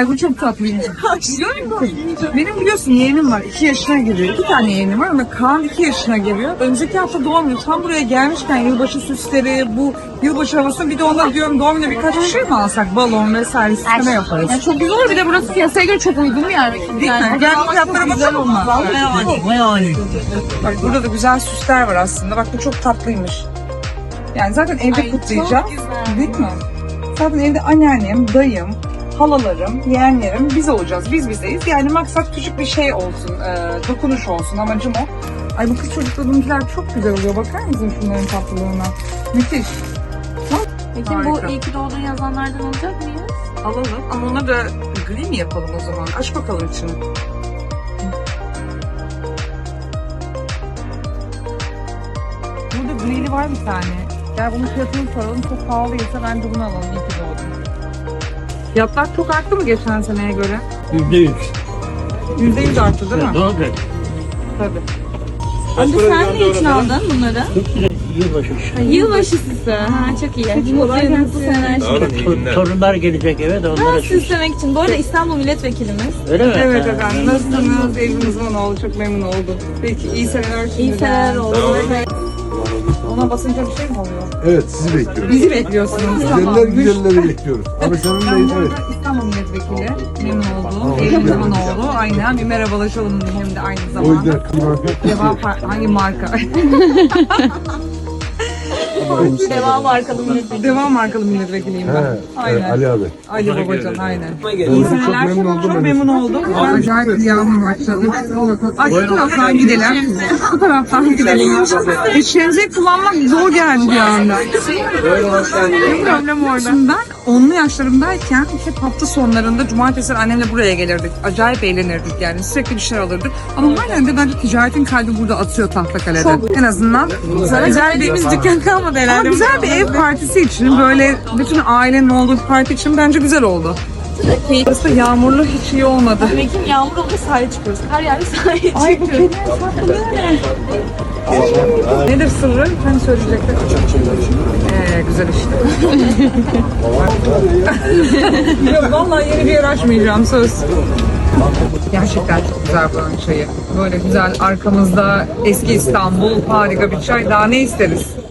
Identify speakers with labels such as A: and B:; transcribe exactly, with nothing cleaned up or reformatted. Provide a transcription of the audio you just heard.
A: Ay bu çok tatlıymış. Benim biliyorsun yeğenim var. iki yaşına giriyor. İki tane yeğenim var ama Kaan iki yaşına giriyor. Önceki hafta doğum günü. Tam buraya gelmişken yılbaşı süsleri, bu yılbaşı havası, bir de ona diyorum doğum günü birkaç bir şey mi alsak? Balon vesaire sisteme yaparız.
B: Yani çok güzel olur. Bir de burası piyasaya göre çok uygun bir yer.
A: Değil mi? Gel fiyatlara bakalım olmaz. Bak burada da güzel süsler var aslında. Bak bu çok tatlıymış. Yani zaten evde
B: Ay,
A: kutlayacağım.
B: çok güzel.
A: Değil mi? Zaten evde anneannem, dayım, halalarım, yeğenlerim, biz olacağız. Biz bizeyiz. Yani maksat küçük bir şey olsun, e, dokunuş olsun. Amacım o. Ay bu kız çocuklarınkiler çok güzel oluyor. Bakar mısın şunların tatlılığına? Müthiş.
B: Peki
A: Harika.
B: bu iyi ki doğdun yazanlardan alacak mıyız?
A: Alalım. Ama ona da gri mi yapalım o zaman? Aç bakalım içini. Burada grili var bir tane. Gel bunun fiyatını soralım. Çok pahalıysa ben de bunu alalım. İyi ki doğdun. Fiyatlar çok arttı mı geçen seneye göre?
C: Yüzde yüz.
A: Yüzde yüz arttı değil mi?
C: Doğru.
A: Tabii.
B: Abi sen ne için aldın bunları?
C: Yılbaşı işte.
B: Yılbaşı süsü. Ha çok iyi. Kolay gelsin.
C: Tor- Torunlar gelecek eve de onlara
B: Ha,
C: süs.
B: süslemek için. Bu arada İstanbul milletvekilimiz.
C: Öyle mi?
A: Evet
C: Ha.
A: efendim. Nasılsınız? Evimiz bana oldu. Çok memnun oldum. Peki iyi seneler şimdiden.
B: İyi seneler oldu.
A: Ona basınca bir şey mi oluyor?
D: Evet, sizi bekliyoruz.
A: Bizi bekliyorsunuz.
D: Güzeller güzelleri bekliyoruz. Ama senin
A: Ben
D: neyin?
A: bu
D: Evet.
A: arada İstanbul Milletvekili. Memnun oldum. Evimiz bana oldu. Aynen. Bir merhabalaşalım hem de aynı
D: O
A: zamanda.
D: yüzden kıyma.
A: Devam par- hangi marka?
B: Devam markalı milletvekili.
A: Devam markalı milletvekiliyim
D: He,
A: ben.
D: e,
A: Aynen.
D: Ali abi.
A: Ali Babacan aynen. İyi
D: Çok
A: seneler.
D: memnun oldum.
A: Çok
D: ben de.
A: memnun oldum. Acayip bir yağmur başladı. Ay şu taraftan gidelim. Bu taraftan gidelim. E, şemsiye kullanmak zor geldi bir anda. Ne problem orada? Şimdi ben onlu yaşlarımdayken hep hafta sonlarında cumartesi annemle buraya gelirdik. Acayip eğlenirdik yani. Sürekli bir şeyler alırdık. Ama halen de bence ticaretin kalbi burada atıyor Tahtakale'de. En azından güzel bir
B: dükkan kalmadı
A: ama güzel bir ev partisi için, böyle bütün ailenin olduğu bir parti için bence güzel oldu. Burası da yağmurlu hiç iyi olmadı.
B: Ekim yağmur olunca sahile çıkıyoruz. Her yerde sahile
A: Ay bu
B: çıkıyoruz.
A: kediler tatlı ne? Nedir sırrı? Hani söyleyecekler. Ee, güzel işte. Yok vallahi yeni bir yer açmayacağım söz. Gerçekten çok güzel buranın çayı. Böyle güzel arkamızda eski İstanbul, harika bir çay. Daha ne isteriz?